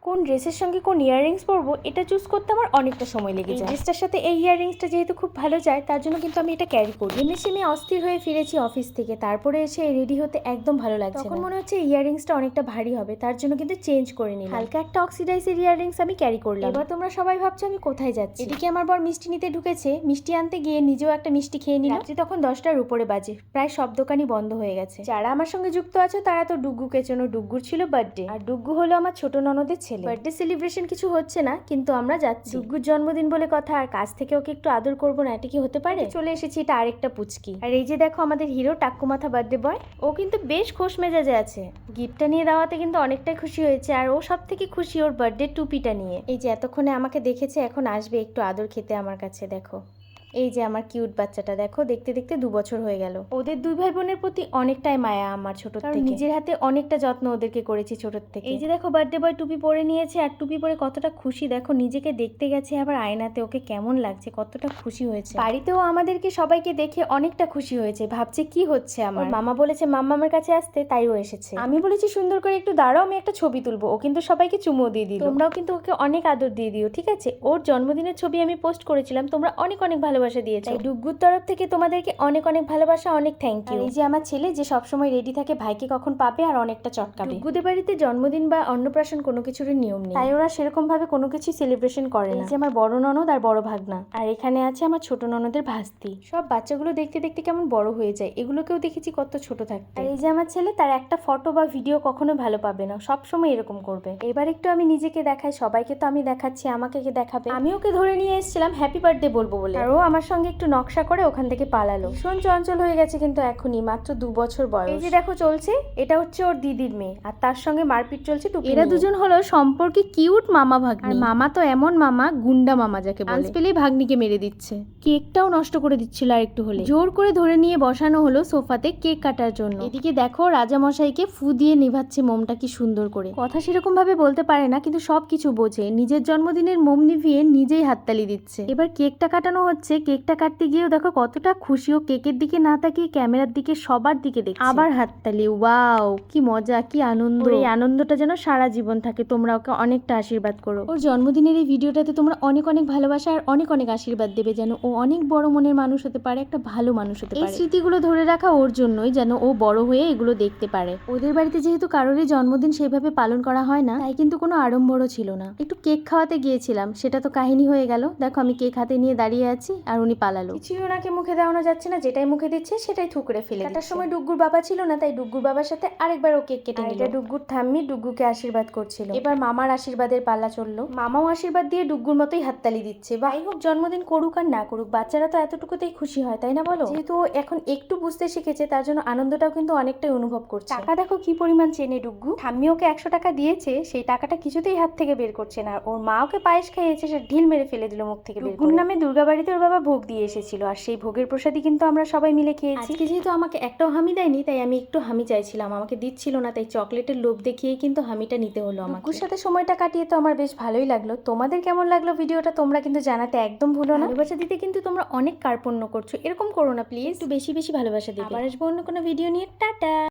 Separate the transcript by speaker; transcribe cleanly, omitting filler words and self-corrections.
Speaker 1: কোন ড্রেসের সঙ্গে কোন ইয়াররিংস পরবো এটা চুজ করতে আমার অনেকটা সময় লেগে যায়। ড্রেসটার সাথে এই ইয়াররিংসটা যেহেতু খুব ভালো যায় তার জন্য কিন্তু আমি এটা ক্যারি করি। এমনিতে আমি অস্থির হয়ে ফিরেছি অফিস থেকে, তারপরে এসে রেডি হতে একদম ভালো লাগছে। তখন মনে হচ্ছে ইয়াররিংসটা অনেকটা ভারী হবে, তার জন্য কিন্তু চেঞ্জ করে নিলাম। হালকা একটা অক্সিডাইজের ইয়াররিংস আমি ক্যারি করলাম। এবার তোমরা সবাই ভাবছো আমি কোথায় যাচ্ছি। এদিকে আমার বর মিষ্টি নিতে ঢুকেছে, মিষ্টি আনতে গিয়ে নিজেও একটা মিষ্টি খেয়ে নিলাম। রাত্রি তখন 10টার উপরে বাজে, প্রায় সব দোকানই বন্ধ হয়ে গেছে। যারা আমার সঙ্গে যুক্ত আছে তারা তো ডুগ্গুকে চেনো, ডুগ্গুর ছিল বার্থডে, আর ডুগ্গু হলো আমার ছোট ননদের ছেলে। বার্থডে সেলিব্রেশন কিছু হচ্ছে না, কিন্তু আমরা যাচ্ছি। ডুগ্গুর জন্মদিন বলে কথা, আর কাছ থেকে ওকে একটু আদর করবো না, এটা কি হতে পারে? চলে এসেছি, এটা আরেকটা পুচকি। আর এই যে দেখো আমাদের হিরো টাক্কু মাথা বার্থডে বয়, ও কিন্তু বেশ খোশ মেজাজে আছে। গিফটটা নিয়ে দেওয়াতে কিন্তু অনেকটাই খুশি হয়েছে, আর ও সব থেকে খুশি ওর বার্থডে টুপিটা নিয়ে। এই যে এতক্ষণে আমাকে দেখেছে, এখন আসবে একটু আদর খেতে আমার কাছে। দেখো এই যে আমার কিউট বাচ্চাটা, দেখো দেখতে দেখতে 2 বছর হয়ে গেল। ওদের 2 ভাই বোনের প্রতি অনেকটাই মায়া আমার ছোট থেকে, নিজের হাতে অনেকটা যত্ন ওদেরকে করেছি ছোট থেকে। এই যে দেখো বার্থডে বয় টুপি পরে নিয়েছে, আর টুপি পরে কতটা খুশি দেখো, নিজেকে দেখতে গেছে আবার আয়নাতে, ওকে কেমন লাগছে, কতটা খুশি হয়েছে। বাড়িতেও আমাদেরকে সবাইকে দেখে অনেকটা খুশি হয়েছে, ভাবছে কি হচ্ছে আমার। মামা বলেছে মাম্মা আমার কাছে আসতে, তাই ও এসেছে। আমি বলেছি সুন্দর করে একটু দাঁড়াও, আমি একটা ছবি তুলবো। ও কিন্তু সবাইকে চুমো দিয়ে দিল। তোমরাও কিন্তু ওকে অনেক আদর দিয়ে দিও, ঠিক আছে? ওর জন্মদিনের ছবি আমি পোস্ট করেছিলাম, তোমরা অনেক অনেক ভালোবাসা দিয়েছো। তাই ডুগ্গুর তরফ থেকে তোমাদেরকে অনেক অনেক ভালোবাসা, অনেক থ্যাংক ইউ। এই যে আমার ছেলে যে সবসময় রেডি থাকে ভাইকে কখন পাবে আর অনেকটা চটকাবে। ডুগ্গুদের বাড়িতে জন্মদিন বা অন্নপ্রাশন কোনো কিছুর নিয়ম নেই, তাই ওরা সেরকম ভাবে কোনো কিছু সেলিব্রেশন করে না। এই যে আমার বড় ননদ আর বড় ভাগনা, আর এখানে আছে আমার ছোট ননদের ভাস্তি। সব বাচ্চাগুলো দেখতে দেখতে কেমন বড় হয়ে যায়, এগুলোকেও দেখেছি কত ছোট থাকতে। আর এই যে আমার ছেলে, তার একটা ফটো বা ভিডিও কখনো ভালো পাবে না, সব সময় এরকম করবে। এবার একটু আমি নিজেকে দেখাই, সবাইকে তো আমি দেখাচ্ছি, আমাকে কে দেখাবে? আমি ওকে ধরে নিয়ে এসেছিলাম হ্যাপি বার্থডে বলবো বলে, আর ও আমার সঙ্গে একটু নকশা করে ওখান থেকে পালালো। ভীষণ চঞ্চল হয়ে গেছে কিন্তু এখনই, মাত্র 2 বছর বয়স। এই যে দেখো চলছে, এটা হচ্ছে ওর দিদির মেয়ে, আর তার সঙ্গে মারপিট চলছে টুপি। এরা দুজন হলো সম্পর্কে কিউট মামা ভাগ্নি। আর মামা তো এমন মামা, গুন্ডা মামা যাকে বলে। চান্স পেলেই ভাগ্নিকে মেরে দিচ্ছে, কেকটাও নষ্ট করে দিচ্ছিল আর একটু হলে। জোর করে ধরে নিয়ে বসানো হলো সোফাতে কেক কাটার জন্য। এদিকে দেখো রাজামশাইকে ফু দিয়ে নিভাচ্ছে মোমটা কি সুন্দর করে। কথা সেরকম ভাবে বলতে পারে না, কিন্তু সবকিছু বোঝে। নিজের জন্মদিনের মোম নিভিয়ে নিজেই হাততালি দিচ্ছে। এবার কেকটা কাটানো হচ্ছে, কেকটা কাটতে গিয়েও দেখো কতটা খুশি ও, কেকের দিকে না তাকিয়ে ক্যামেরার দিকে, সবার দিকে দেখছে। আবার হাততালি, ওয়াও কি মজা, কি আনন্দ। এই আনন্দটা যেন সারা জীবন থাকে। তোমরা ওকে অনেকটা আশীর্বাদ করো। ওর জন্মদিনের এই ভিডিওটাতে তোমরা অনেক অনেক ভালোবাসা আর অনেক অনেক আশীর্বাদ দেবে, যেন ও অনেক বড় মনের মানুষ হতে পারে, একটা ভালো মানুষ হতে পারে। এই স্মৃতিগুলো ধরে রাখা ওর জন্যই, যেন ও বড় হয়ে এগুলো দেখতে পারে। ওদের বাড়িতে যেহেতু কারোরই জন্মদিন সেইভাবে পালন করা হয় না, তাই কিন্তু কোনো আড়ম্বরও ছিল না। একটু কেক খাওয়াতে গিয়েছিলাম, সেটা তো কাহিনী হয়ে গেল। দেখো আমি কেক হাতে নিয়ে দাঁড়িয়ে আছি, আর উনি পালালো। কিছুই ওনাকে মুখে দেওয়ানো যাচ্ছে না, যেটাই মুখে দিচ্ছে সেটাই থুকরে ফেলে। কাটার সময় ডুগ্গুর বাবা ছিল না, তাই ডুগ্গুর বাবার সাথে আরেকবার ও কেক কেটে নিল। এটা ডুগ্গুর ঠাম্মি ডুগ্গুকে আশীর্বাদ করছিল। এবার মামার আশীর্বাদের পাল্লা চললো। মামাও আশীর্বাদ দিয়ে ডুগ্গুর মতোই হাততালি দিচ্ছে। যাই হোক, জন্মদিন করুক আর না করুক, বাচ্চারা তো এতটুকুতেই খুশি হয়, তাই না বলো? যেহেতু এখন একটু বুঝতে শিখেছে, তার জন্য আনন্দটাও কিন্তু অনেকটাই অনুভব করছে। টাকা দেখো কি পরিমাণ চেনে ডুগ্গু। ঠাম্মি ওকে 100 টাকা দিয়েছে, সেই টাকাটা কিছুতেই হাত থেকে বের করছে না। আর ওর মা ওকে পায়েস খাইয়েছে, সে ঢিল মেরে ফেলে দিল মুখ থেকে। ডুগ্গুর নামে দুর্গাবাড়িতে ওর বাবা ভোগ দিয়ে এসেছিল, আর সেই ভোগের প্রসাদই কিন্তু আমরা সবাই মিলে খেয়েছি। আজকে যেহেতু আমাকে একটাও হামি দেয়নি, তাই আমি একটু হামি চাইছিলাম, আমাকে দিচ্ছিল না, তাই চকলেটের লোভ দেখিয়েই কিন্তু হামিটা নিতে হলো আমাকে। ডুগ্গুর সাথে সময়টা কাটিয়ে তো আমার বেশ ভালোই লাগলো। তোমাদের কেমন লাগলো ভিডিওটা তোমরা কিন্তু জানাতে একদম ভুলো না। ভালোবাসা দিতে কিন্তু তোমরা অনেক কার্পণ্য করছো, এরকম করো না প্লিজ, একটু বেশি বেশি ভালোবাসা দিতে। আবার আসবো অন্য কোনো ভিডিও নিয়ে, টাটা।